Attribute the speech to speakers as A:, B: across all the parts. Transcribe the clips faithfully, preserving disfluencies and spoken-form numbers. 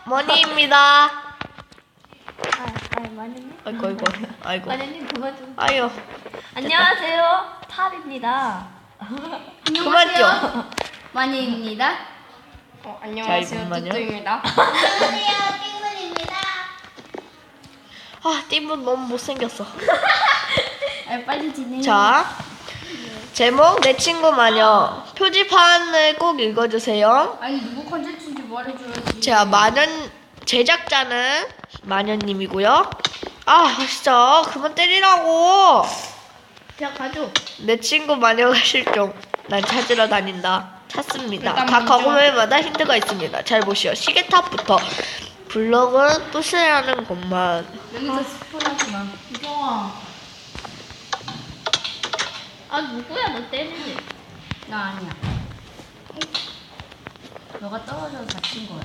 A: 머니입니다.
B: 아, 아, 마녀님?
A: 아이고 아이고 아이고.
B: 마녀님 그만 좀.
A: 아유.
B: 안녕하세요, 탑입니다.
A: 그만 좀.
C: 마녀입니다.
D: 어,
A: 자,
D: 안녕하세요.
A: 이분 마녀.
D: 뚜뚜입니다.
C: 안녕하세요, 띵문입니다.
A: 아 띠분 너무 못생겼어.
C: 아, 빨리 진행.
A: 자 제목 내 친구 마녀. 표지판을 꼭 읽어주세요.
C: 아니 누구 컨텐츠인지 말해줘야지.
A: 자 마녀 제작자는 마녀님이고요. 아 진짜 그만 때리라고.
B: 자, 가죠.
A: 내 친구 마녀가 실종. 난 찾으러 다닌다. 찾습니다.
D: 일단
A: 각
D: 먼저-
A: 과거물마다 힌트가 있습니다. 잘 보시오. 시계탑부터. 블럭은 부스라는 것만.
C: 여기서 스포하지 마. 이경아.
B: 아, 누구야, 너 때리지?
C: 나 아니야. 너가 떨어져서 다친 거야.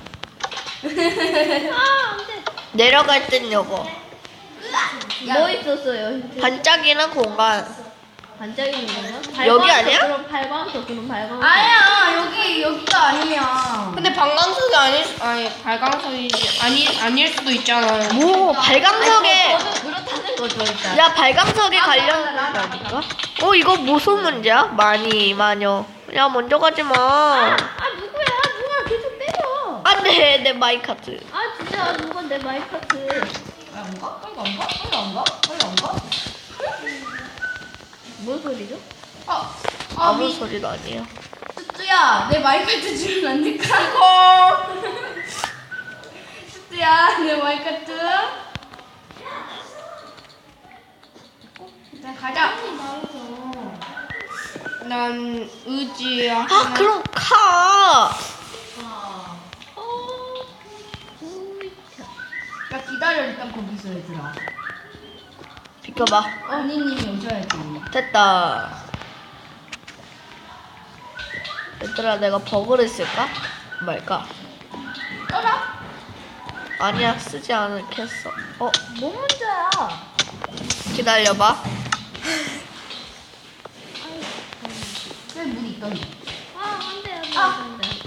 B: 아, 안 돼.
A: 내려갈 땐 요거.
B: 뭐 있었어요?
A: 반짝이는 공간.
B: 반짝이는 건가?
A: 여기
B: 발광석,
A: 아니야?
B: 그럼 발광석, 그럼 발광석.
C: 아니야 여기 여기가 아니야.
D: 근데 방광석이 아닐 수, 아니 발광석이지 아니 아닐 수도 있잖아요.
A: 뭐 발광석에.
B: 저는 그렇다는 거죠, 일단.
A: 야 발광석에 관련된 거 아닌가? 어 이거 무슨 문제야? 많이 마녀. 야 먼저 가지 마.
B: 아, 누구야? 누가 계속 때려.
A: 안돼 내 마이카트.
B: 아, 진짜 누가 내 마이카트.
C: 야 뭔가 빨리 안 가? 빨리 안 가? 빨리 안 가?
B: 뭔 소리죠?
C: 아, 아
A: 아무
C: 미,
A: 소리도 아니에요.
C: 뚜뚜야 내 마이크트 주면 안 될까? 이거. 뚜뚜야 내 마이크트. 일단 가자.
D: 난 의지
A: 아
D: 하나.
A: 그럼 가.
B: 어, 우이차.
C: 야 기다려 일단 거기서 얘들아.
A: 비켜봐.
C: 언니님이 오셔야지.
A: 됐다. 얘들아 내가 버그를 쓸까? 말까?
C: 떠라.
A: 아니야 쓰지 않겠어. 어
B: 뭐 문제야?
A: 기다려봐.
C: 왜 물이 있더니?
B: 아, 안 돼, 안 돼,
C: 아.
B: 안 돼.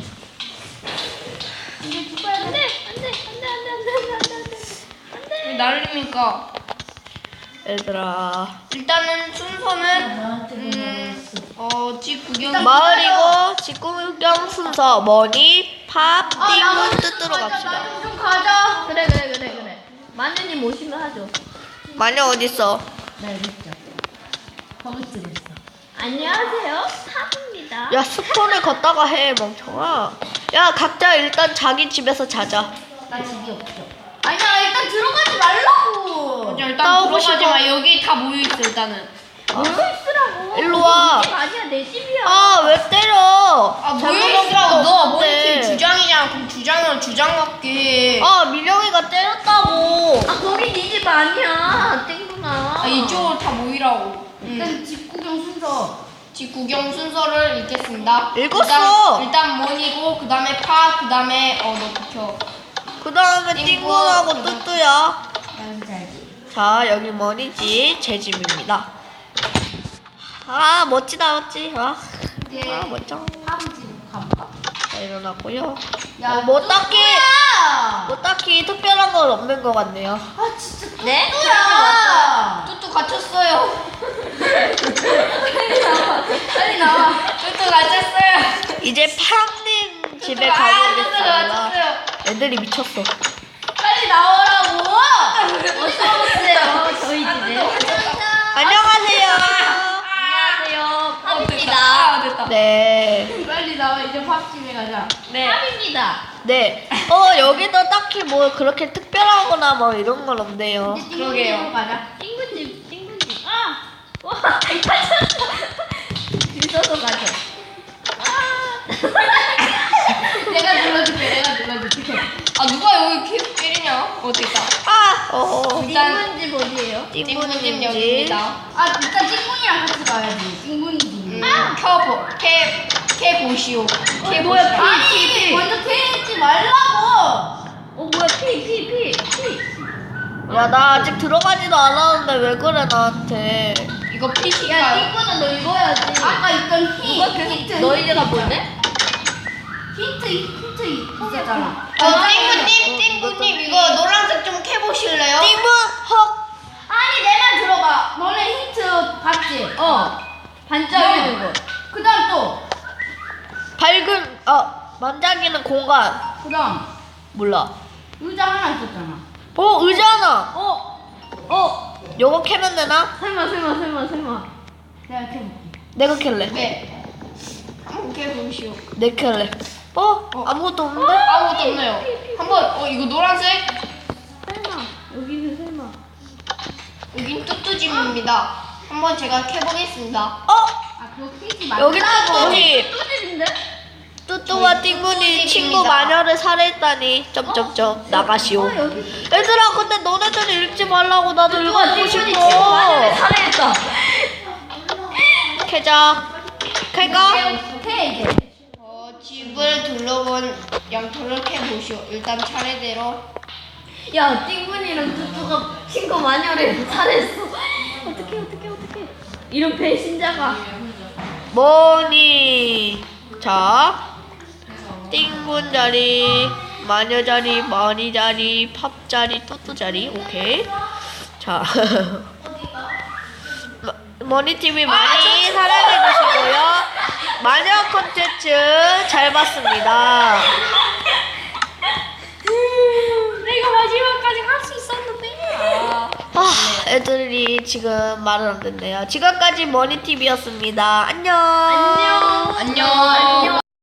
C: 이제 죽어야
B: 안
C: 돼.
B: 돼, 안 돼, 안 돼, 안 돼, 안 돼, 안 돼, 안 돼, 안 돼.
D: 왜 날립니까?
A: 얘들아
D: 일단은 순서는 음, 어, 집 구경.
A: 마을이고 직구경 순서 머니 팝
C: 아,
A: 띵문 뜻으로
C: 가자,
A: 갑시다.
C: 나좀 좀 가자.
B: 그래, 그래, 그래, 그래. 마녀님 오시면 하죠.
A: 마녀 어딨어?
C: 나 여기 있죠. 버그트 됐어.
B: 안녕하세요, 탑입니다.
A: 야 스폰을 걷다가 해 멍청아. 야 각자 일단 자기 집에서 자자.
C: 나 집이 없어. 아니야 일단 들어가지 말라고.
D: 자, 일단
A: 싸우고
D: 들어가지
A: 싶어.
D: 마. 여기 다 모여 있어 일단은.
B: 모여 있으라고.
A: 일로 와.
B: 내 집 아니야, 내 집이야.
A: 아 왜 때려?
D: 아
A: 잘못한
D: 모여 있으라고.
A: 거
D: 너
A: 없는데.
D: 머리팀 주장이잖아. 그럼 주장은 주장 같게.
A: 아 민영이가 때렸다고.
B: 아, 거기 네 집 아니야, 땡구나.
D: 아, 이쪽으로 다 모이라고. 응.
C: 일단 집 구경 순서.
D: 집 구경 순서를 읽겠습니다.
A: 읽었어.
D: 일단, 일단 모니고 그 다음에 파, 그 다음에 어 너 비켜.
A: 그 다음에
D: 띵고,
A: 띵군하고
D: 그다음-
A: 뚜뚜야.
C: 나 진짜 알지.
A: 자 여기 머니지 제 집입니다. 아 멋지다 멋지. 아,
C: 이제
A: 아 멋져.
C: 아버지 가볼까?
A: 자 일어났고요.
C: 야,
A: 어, 뭐 딱히
C: 뚜뚜야!
A: 뭐 딱히 특별한 건 없는 것 같네요.
C: 아 진짜
B: 네?
C: 뚜뚜야!
D: 뚜뚜 갇혔어요.
C: 빨리 나와.
D: 뚜뚜 갇혔어요.
A: 이제 팡님 집에
D: 뚜뚜, 아, 뚜뚜
A: 가보겠습니다.
D: 갇혔어요.
A: 애들이 미쳤어.
C: 빨리 나오라고.
B: 어서 오세요, 저희 집에.
A: 안녕하세요.
B: 안녕하세요,
D: 아,
B: 탑입니다.
D: 됐다.
A: 네.
C: 빨리 나와 이제 팝집에 가자.
D: 네.
B: 탑입니다.
A: 네. 어 여기도 딱히 뭐 그렇게 특별하거나 뭐 이런 건 없네요.
C: 이제
D: 그러게요.
C: 띵구집으로 가자.
B: 띵구집, 띵구집. 아! 와, 다쳤어. 있어서 가죠. 아!
C: 내가 눌러줄게. 내가 눌러줄게.
D: 아 누가 여기 계속 때리냐? 어디 있다.
A: 아. 어.
D: 일단
B: 띵구집 어디예요?
D: 띵구님
A: 띵군님
D: 여기입니다.
C: 아 일단 띵군이랑 같이 가야지. 띵군이지.
D: 음, 켜보, 캐, 캐 보시오. 캐
B: 뭐야,
D: 보시오.
C: 아니 먼저 캐지 말라고.
B: 어, 뭐야, 피, 피, 피, 피.
A: 야 나 아직 들어가지도 않았는데 왜 그래 나한테.
D: 이거
B: 야,
D: 피시가요?
B: 띵구는 너 읽어야지.
C: 아까 있던 힌.
B: 누가 계속
C: 힌트.
B: 너희들가 보네?
C: 힌트 힌트 있었잖아.
D: 어, 띵구님, 띵구
B: 어. 반짝이는 거. 그다음 또.
A: 밝은 어 반짝이는 공간
B: 그다음
A: 몰라.
B: 의자 하나 있었잖아.
A: 어 의자 하나.
B: 어. 어.
A: 요거 캐면 되나?
B: 설마 설마 설마 설마. 내가 이렇게 볼게.
A: 내가 캘래.
D: 네. 한번 해보시오.
A: 내 캘래. 어? 아무것도 없는데?
D: 아무것도 없네요. 한번 어 이거 노란색.
B: 설마. 여기는 설마.
D: 여긴 뚜뚜집입니다. 한번 제가 캐보겠습니다.
A: 어?
B: 아 그거 키지 말고.
A: 여기 뚜뚜집.
B: 뚜집인데?
A: 뚜뚜와 띵군이 친구 마녀를 살해했다니. 점점점 나가시오.
B: 어 여기.
A: 얘들아 근데 너네들은 읽지 말라고 나도 읽어보고
B: 띵군이 친구 마녀를
A: 싶어.
B: 살해했다.
A: 캐자. 캘까?
B: 오케이 이제.
D: 어, 집을 둘러본 양털을 캐보시오. 일단 차례대로.
B: 야 띵군이랑 뚜뚜가 친구 마녀를 살해했어. 어떡해 어떡해 어떡해. 이런 배신자가.
A: 뭐니? 자, 띵군 자리, 마녀 자리, 머니 자리, 팝 자리, 뚜뚜 자리. 오케이. 자, 머니 티비 많이 사랑해 주시고요. 마녀 콘텐츠 잘 봤습니다.
B: 내가 마지막까지 갈 수 있었는데.
A: 아, 애들이 지금 말을 안 듣네요. 지금까지 머니 티비였습니다. 안녕.
B: 안녕.
D: 안녕.